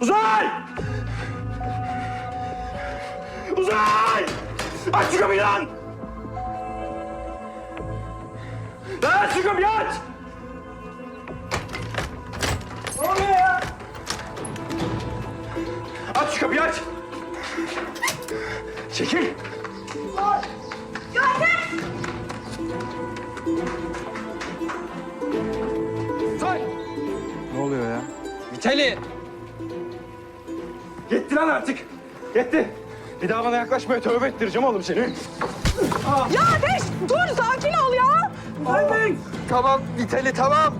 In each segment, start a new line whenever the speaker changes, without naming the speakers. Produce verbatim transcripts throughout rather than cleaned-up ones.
Uzay! Uzay! Aç şu kapıyı lan! Lan aç şu kapıyı aç! Ne oluyor ya? Aç şu kapıyı aç! Çekil! Uzay!
Ne oluyor ya?
Vitali!
Yetti lan artık. Yetti. Bir daha bana yaklaşmaya tövbe ettireceğim oğlum seni.
Ya Ateş dur sakin ol ya.
Tamam Vitali tamam.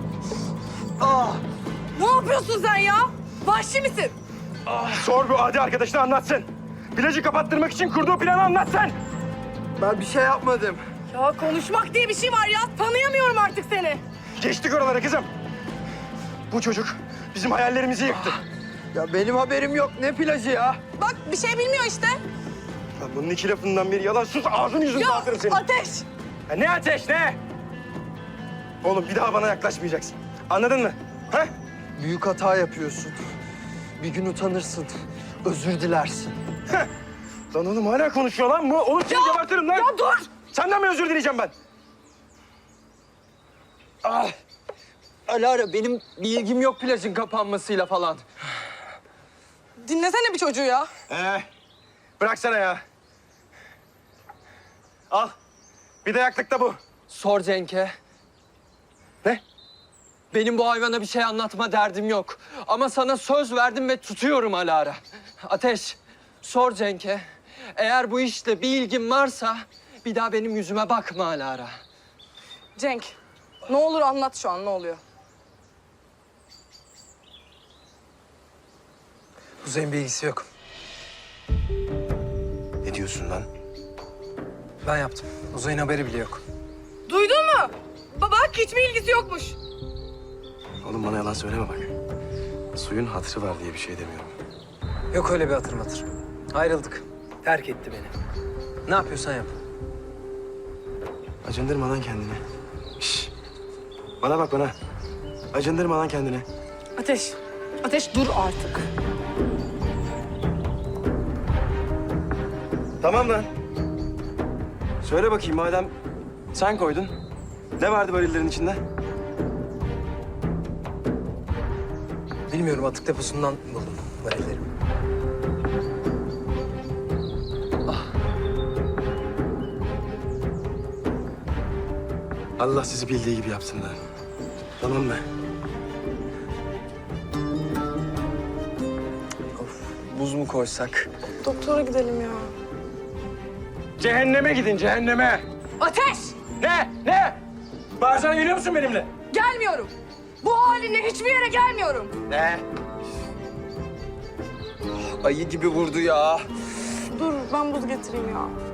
Ne yapıyorsun sen ya? Vahşi misin?
Sor bu adi arkadaşına anlatsın. Plajı kapattırmak için kurduğu planı anlatsın.
Ben bir şey yapmadım.
Ya konuşmak diye bir şey var ya. Tanıyamıyorum artık seni.
Geçtik oralara kızım. Bu çocuk bizim hayallerimizi yıktı.
Ya benim haberim yok. Ne plajı ya?
Bak bir şey bilmiyor işte.
Lan bunun iki lafından biri yalan. Sus ağzını yüzünü
Ya
dağıtırım senin.
Ateş.
Ya ne ateş ne? Oğlum bir daha bana yaklaşmayacaksın. Anladın mı? Ha?
Büyük hata yapıyorsun. Bir gün utanırsın. Özür dilersin.
Lan oğlum hala konuşuyor lan bu. Oğlum seni gebertirim lan.
Ya dur.
Senden mi özür dileyeceğim ben?
Ah. Alara benim bir ilgim yok plajın kapanmasıyla falan.
Dinlesene bir çocuğu ya.
Ee, bıraksana ya. Al. Bir de yaklıkta bu.
Sor Cenk'e.
Ne?
Benim bu hayvana bir şey anlatma derdim yok. Ama sana söz verdim ve tutuyorum Alara. Ateş, sor Cenk'e. Eğer bu işte bir ilgin varsa bir daha benim yüzüme bakma Alara.
Cenk ne olur anlat şu an ne oluyor?
Kuzey'in bir ilgisi yok.
Ne diyorsun lan?
Ben yaptım. Uzay'ın haberi bile yok.
Duydun mu? Baba hiçbir ilgisi yokmuş.
Oğlum bana yalan söyleme bak. Suyun hatırı var diye bir şey demiyorum.
Yok öyle bir hatır matır. Ayrıldık. Terk etti beni. Ne yapıyorsan yap.
Acındırma lan kendini. Şş. Bana bak bana. Acındırma lan kendini.
Ateş. Ateş dur artık.
Tamam lan. Söyle bakayım madem sen koydun. Ne vardı varillerin içinde?
Bilmiyorum, atık deposundan buldum varilleri.
Allah sizi bildiği gibi yapsın lan. Tamam mı?
Buz mu koysak?
Doktora gidelim ya.
Cehenneme gidin cehenneme.
Ateş!
Ne? Ne? Bağırsana geliyor musun benimle?
Gelmiyorum. Bu halinle hiçbir yere gelmiyorum.
Ne?
Ayı gibi vurdu ya.
Dur ben buz getireyim ya.